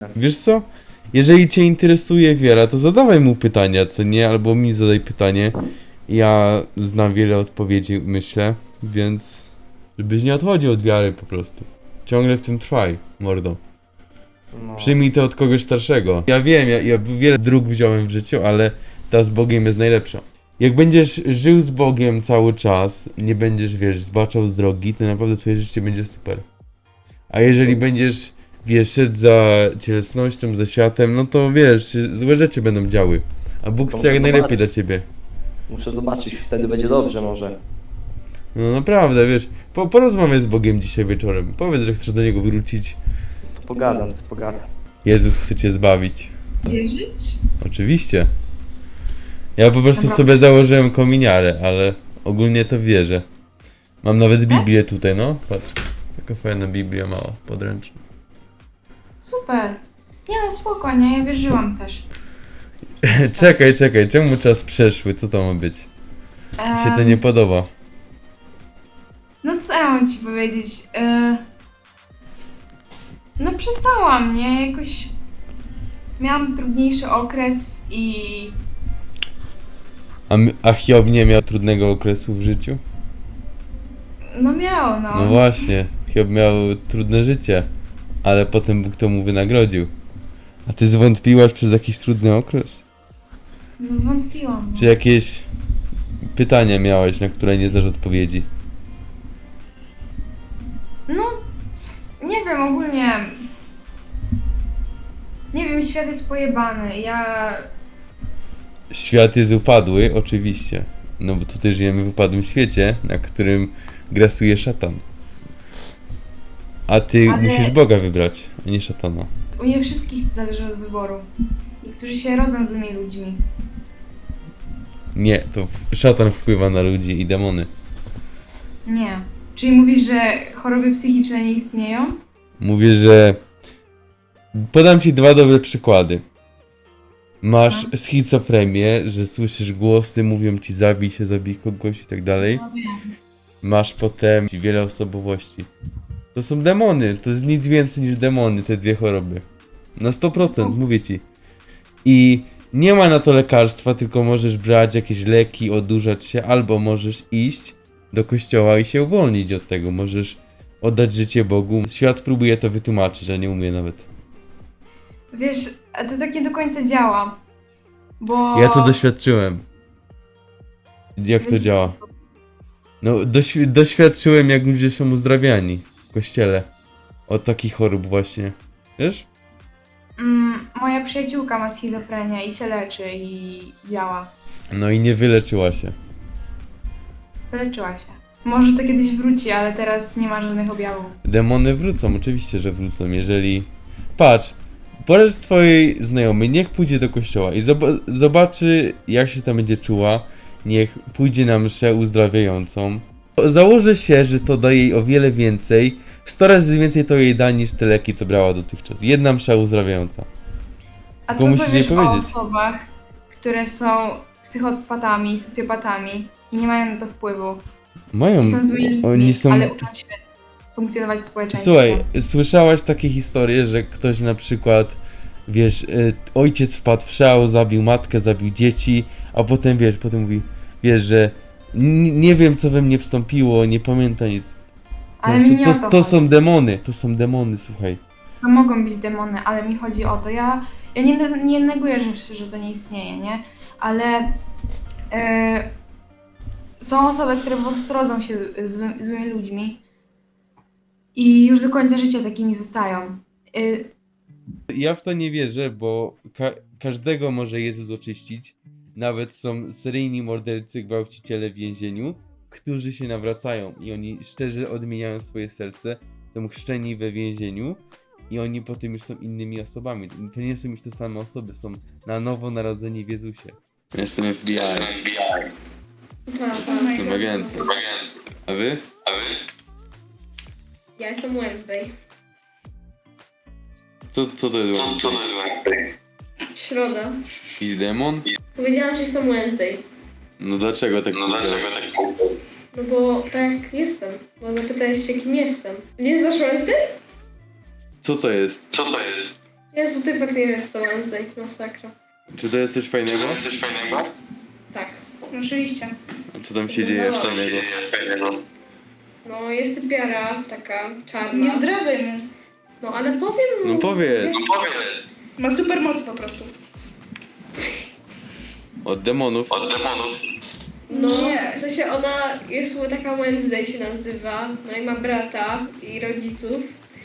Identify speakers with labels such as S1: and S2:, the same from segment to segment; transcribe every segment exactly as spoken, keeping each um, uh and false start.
S1: Wiesz co? Jeżeli cię interesuje wiara, to zadawaj mu pytania, co nie? Albo mi zadaj pytanie. Ja znam wiele odpowiedzi, myślę, więc... Żebyś nie odchodził od wiary po prostu. Ciągle w tym trwaj, mordo.
S2: No.
S1: Przyjmij to od kogoś starszego. Ja wiem, ja, ja wiele dróg wziąłem w życiu, ale ta z Bogiem jest najlepsza. Jak będziesz żył z Bogiem cały czas, nie będziesz, wiesz, zbaczał z drogi, to naprawdę twoje życie będzie super. A jeżeli będziesz, wiesz, szedł za cielesnością, za światem, no to wiesz, złe rzeczy będą działy. A Bóg
S2: To
S1: chce jak
S2: muszę
S1: najlepiej
S2: zobaczyć.
S1: dla ciebie.
S2: Muszę zobaczyć, wtedy będzie dobrze może.
S1: No naprawdę, wiesz, po, porozmawiaj z Bogiem dzisiaj wieczorem. Powiedz, że chcesz do Niego wrócić.
S2: To pogadam, pogadam.
S1: Jezus chce cię zbawić.
S3: Wierzyć?
S1: Oczywiście. Ja po prostu
S3: Dobra.
S1: sobie założyłem kominiarę, ale ogólnie to wierzę. Mam nawet Biblię tutaj, no. Patrz. Taka fajna Biblia mała, podręczna.
S3: Super. Nie no, spokojnie, ja wierzyłam też.
S1: Czekaj, czekaj, czemu czas przeszły? Co to ma być? Mi się to
S3: Em,
S1: nie podoba.
S3: No co ja mam ci powiedzieć? E... No przestałam, nie? Jakoś... Miałam trudniejszy okres i...
S1: A, my- a Hiob nie miał trudnego okresu w życiu?
S3: No miał, no.
S1: No właśnie, Hiob miał trudne życie, ale potem Bóg to mu wynagrodził. A ty zwątpiłaś przez jakiś trudny okres?
S3: No zwątpiłam.
S1: Czy jakieś pytania miałeś, na które nie znasz odpowiedzi?
S3: No, nie wiem, ogólnie... Nie wiem, świat jest pojebany. Ja...
S1: Świat jest upadły, oczywiście. No bo tutaj żyjemy w upadłym świecie, na którym grasuje szatan. A ty
S3: Ale-
S1: musisz Boga wybrać, a nie szatana.
S3: U nie wszystkich to zależy od wyboru. Niektórzy się rodzą z tymi ludźmi.
S1: Nie, to w- szatan wpływa na ludzi i demony.
S3: Nie. Czyli mówisz, że choroby psychiczne nie istnieją?
S1: Mówię, że... Podam ci dwa dobre przykłady. Masz
S3: No.
S1: schizofrenię, że słyszysz głosy, mówią ci zabij się, zabij kogoś i tak dalej.
S3: No wiem.
S1: Masz potem wiele osobowości. To są demony, to jest nic więcej niż demony, te dwie choroby. Na sto procent, mówię ci. I nie ma na to lekarstwa, tylko możesz brać jakieś leki, odurzać się, albo możesz iść do kościoła i się uwolnić od tego. Możesz oddać życie Bogu. Świat próbuje to wytłumaczyć, a nie umie nawet.
S3: Wiesz, a to tak nie do końca działa. Bo...
S1: Ja to doświadczyłem. Jak
S3: w
S1: to
S3: jaki
S1: działa?
S3: sposób?
S1: No, doświ- doświadczyłem, jak ludzie są uzdrawiani w kościele. Od takich chorób właśnie. Wiesz?
S3: Mm, moja przyjaciółka ma schizofrenię i się leczy i działa.
S1: No i nie wyleczyła się.
S3: Wyleczyła się. Może to kiedyś wróci, ale teraz nie ma żadnych objawów.
S1: Demony wrócą, oczywiście, że wrócą, jeżeli... Patrz, powiedz twojej znajomej, niech pójdzie do kościoła i zob- zobaczy, jak się tam będzie czuła. Niech pójdzie na mszę uzdrawiającą. Założę się, że to da jej o wiele więcej, sto razy więcej to jej da niż te leki, co brała dotychczas. Jedna msza uzdrawiająca.
S3: A
S1: Tylko
S3: co
S1: musisz jej
S3: powiesz o
S1: powiedzieć.
S3: osobach, które są psychopatami, socjopatami i nie mają na to wpływu?
S1: Mają...
S3: Są złymi ludźmi,
S1: Oni są...
S3: ale uczą się funkcjonować w społeczeństwie.
S1: Słuchaj, słyszałaś takie historie, że ktoś na przykład, wiesz, y, ojciec wpadł w szał, zabił matkę, zabił dzieci, a potem, wiesz, potem mówi, wiesz, że n- nie wiem, co we mnie wstąpiło, nie pamiętam nic. To,
S3: Ale mi nie
S1: to,
S3: o
S1: to,
S3: to
S1: to
S3: chodzi.
S1: są demony, to są demony, słuchaj.
S3: No mogą być demony, ale mi chodzi o to. Ja, ja nie, nie neguję, że, że to nie istnieje, nie? Ale e, są osoby, które po prostu rodzą się z zły, złymi ludźmi i już do końca życia takimi zostają. E,
S1: Ja w to nie wierzę, bo ka- każdego może Jezus oczyścić. Nawet są seryjni mordercy, gwałciciele w więzieniu, którzy się nawracają i oni szczerze odmieniają swoje serce, są chrzczeni we więzieniu i oni potem już są innymi osobami. To nie są już te same osoby, są na nowo narodzeni w Jezusie. Jestem F B I. Jestem agentem. A wy?
S4: Ja jestem Wednesday.
S1: Co, co to jest Wednesday?
S4: Środa.
S1: Jakiś demon?
S4: Powiedziałam, że jestem Wednesday.
S1: No dlaczego tak powiedziałeś?
S4: No bo tak jestem. Bo zapytałeś się, kim jestem. Nie znasz Wednesday?
S1: Co to jest?
S5: Co to jest?
S4: Jezu, typek nie jest to Wednesday, masakra.
S1: Czy to jest coś fajnego?
S4: Tak.
S3: Oczywiście.
S1: A co tam się dzieje fajnego?
S4: No, jest typiara taka czarna.
S3: Nie zdradzaj mu.
S4: No, ale powiem mu.
S1: No powiedz.
S3: Ma super moc po prostu.
S1: Od demonów.
S4: No,
S3: Nie.
S4: w sensie ona jest taka Wednesday się nazywa, no i ma brata i rodziców.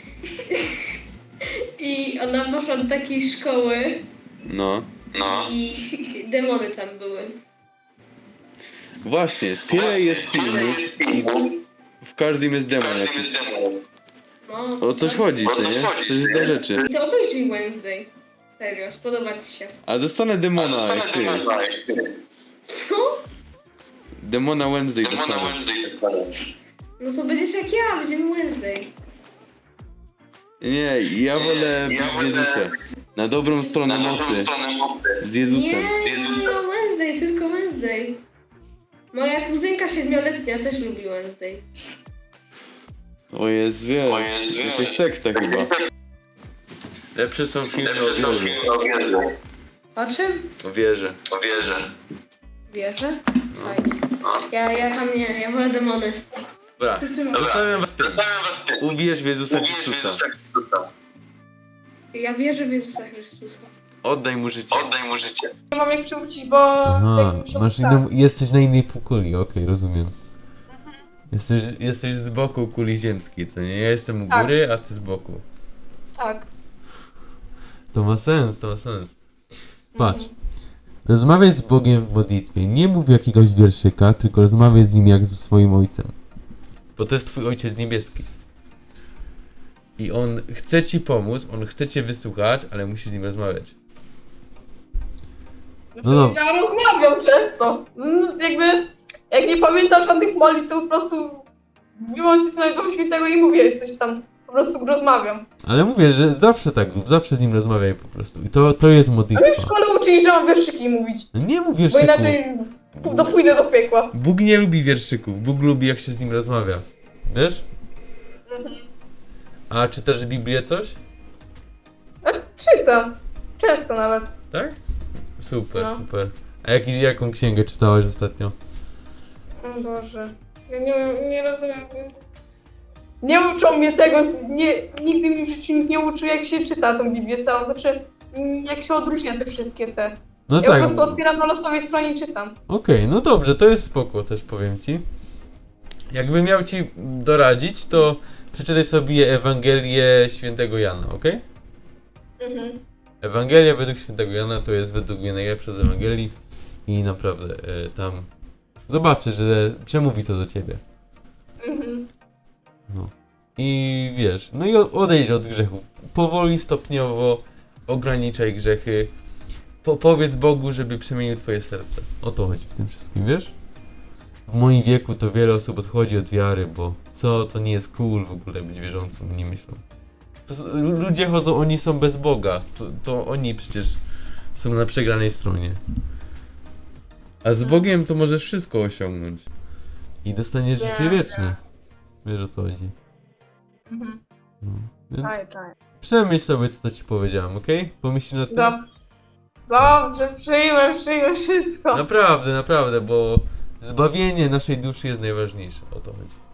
S4: I ona poszła do takiej szkoły
S1: No.
S4: i demony tam były.
S1: Właśnie, tyle jest filmów i w każdym jest demon jakiś.
S4: No,
S1: O coś chodzi, co nie? Coś jest dla rzeczy.
S4: I to obejrzyj Wednesday. Serio, spodoba ci się.
S1: A dostanę demona jak ty.
S4: Co?
S1: Demona Wednesday dostanę.
S4: No to będziesz jak ja, będziemy Wednesday.
S1: Nie, ja wolę być w Jezusie. Na dobrą stronę mocy. Z Jezusem.
S4: Nie, nie, Wednesday, tylko Wednesday. Moja kuzynka siedmioletnia też lubi Wednesday.
S1: O jest, wiesz, jakaś sekta chyba. Lepsze są filmy o wierze.
S4: O czym?
S1: O wierze.
S4: Wierzę? Fajnie. Ja, ja tam nie, ja wolę demony.
S1: Dobra, zostawiam was tym. Uwierz w Jezusa Chrystusa.
S4: Ja wierzę w Jezusa Chrystusa.
S1: Oddaj mu życie.
S3: Nie mam jak przywrócić, bo...
S5: Aha,
S3: jak mi się
S5: masz
S3: uda.
S5: inną, jesteś na innej półkuli, okej, rozumiem.
S1: Jesteś, jesteś z boku kuli ziemskiej, co nie? Ja jestem u
S3: Tak.
S1: góry, a ty z boku.
S3: Tak.
S5: To ma sens, to ma sens. Patrz. Rozmawiaj z Bogiem w modlitwie. Nie mów jakiegoś wierszyka, tylko rozmawiaj z nim jak ze swoim ojcem.
S1: Bo to jest twój ojciec niebieski. I on chce ci pomóc, on chce cię wysłuchać, ale musisz z nim rozmawiać.
S3: Znaczy,
S5: No no.
S3: ja rozmawiam często. No, jakby, jak nie pamiętam żadnych modlitw, to po prostu wyłączę się na świętego i mówię coś tam. Po prostu rozmawiam.
S5: Ale mówię, że zawsze tak rób, zawsze z nim rozmawiaj po prostu. I to, to jest
S3: A mnie w
S5: modlitwa.
S3: szkole uczyli, że mam wierszyki mówić.
S5: No nie mów
S3: Bo
S5: wierszyków.
S3: inaczej do- pójdę do piekła.
S1: Bóg nie lubi wierszyków, Bóg lubi jak się z nim rozmawia. Wiesz? A czytasz Biblię coś?
S3: A czytam. Często nawet.
S1: Tak? Super,
S3: No.
S1: super.
S5: A jak, jaką księgę czytałeś ostatnio?
S3: O Boże. Ja nie, nie rozumiem. Nie uczą mnie tego, z- nie, nigdy mi w życiu nikt nie uczył, jak się czyta tą Biblię całą. Znaczy, mm, jak się odróżnia te wszystkie te.
S5: No
S3: Ja
S5: tak.
S3: po prostu otwieram na losowej stronie i czytam.
S5: Okej, no dobrze, to jest spoko, też powiem ci.
S1: Jakbym miał ci doradzić, to przeczytaj sobie Ewangelię Świętego Jana, okej?
S3: Mhm.
S1: Ewangelia według Świętego Jana to jest według mnie najlepsza z Ewangelii i naprawdę e, tam zobaczysz, że przemówi to do ciebie.
S3: Mhm.
S1: I wiesz, no i o- odejdź od grzechów. Powoli, stopniowo ograniczaj grzechy. Po, powiedz Bogu, żeby przemienił twoje serce.
S5: O to chodzi w tym wszystkim, wiesz? W moim wieku to wiele osób odchodzi od wiary, bo co, to nie jest cool w ogóle być wierzącym, nie myślą.
S1: To, s- lu- ludzie chodzą, oni są bez Boga. To, to oni przecież są na przegranej stronie. A z Bogiem to możesz wszystko osiągnąć.
S5: I dostaniesz
S3: Nie,
S5: życie wieczne. Wiesz o co chodzi.
S3: Mhm.
S5: No. Więc
S3: Czaj, czaj.
S5: przemyśl sobie to, co ci powiedziałem, okej? Pomyśl nad tym.
S3: Dobrze. Dobrze, przyjmę, przyjmę wszystko.
S1: Naprawdę, naprawdę, bo zbawienie naszej duszy jest najważniejsze. O to chodzi.